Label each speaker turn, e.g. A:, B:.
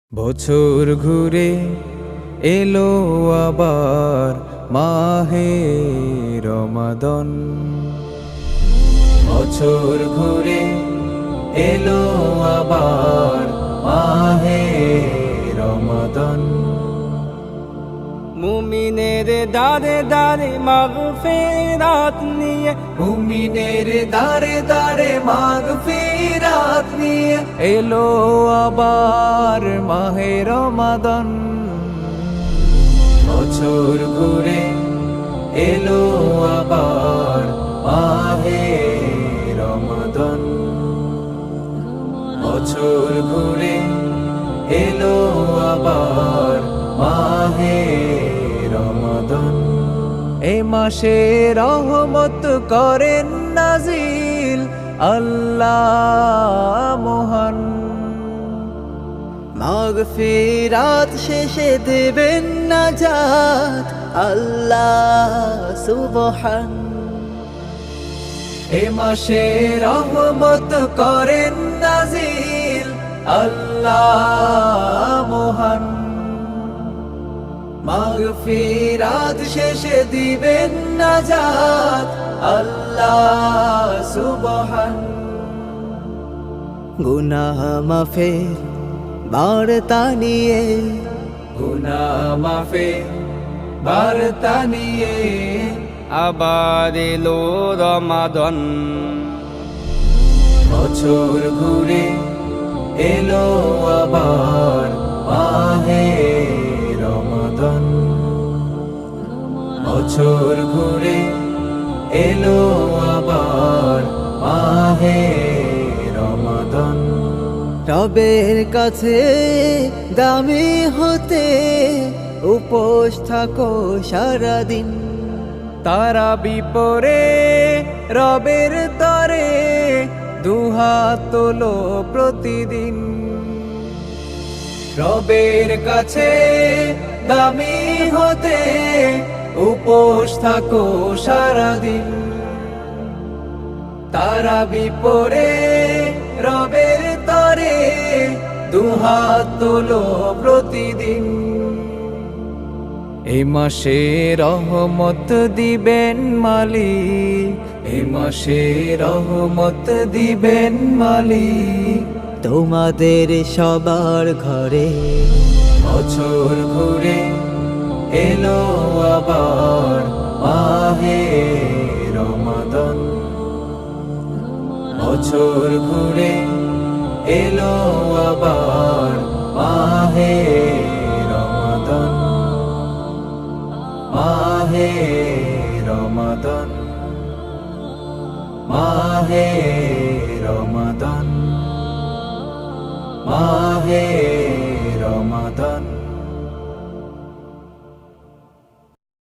A: বছর ঘুরে এলো আবার মাহে রমাদান। বছর ঘুরে এলো আবার মাহে রমাদান।
B: মুমিনের দারে দারে মাগফিরাত নিয়ে,
A: মুমিনের দারে দারে মাগফিরাত নিয়ে এলো আবার মাহে রমাদান। বছর ঘুরে এলো আবার মাহে রমাদান। বছর ঘুরে এলো আবার মাহে রমাদান। এ মাসে রহমত করেন নাজিল আল্লাহ মহান।
B: মাগফিরাত শেষে দেবেন নাজাত আল্লাহ সুবহান।
A: এ মাসে রহমত করেন নাজিল আল্লাহ মহান। মাগফিরাত শেষে দিবেন নাজাত আল্লাহ সুবহান।
B: গুনাহ মাফের বার্তা নিয়ে,
A: গুনাহ মাফের বার্তা নিয়ে
B: আবার এলো রমাদান।
A: বছর ঘুরে এলো আবার মাহে রমাদান। বছর ঘুরে এলো আবার মাহে রমাদান।
B: রবের কাছে দামি হতে উপোস থাকো সারাদিন।
A: তারা বিপরে রবের তরে দুহাত তোলো প্রতিদিন। রবের কাছে দামি হতে উপোস থাকো সারাদিন। তারা বিপরে রবের তরে দুহাত তোলো প্রতিদিন। এই মাসে রহমত দিবেন মালিক, এই মাসে রহমত দিবেন মালিক
B: তোমাদের সবার ঘরে।
A: বছর ঘুরে এলো আবার মাহে রমাদান। বছর ঘুরে এলো আবার মাহে রমাদান। মাহে রমাদান, মাহে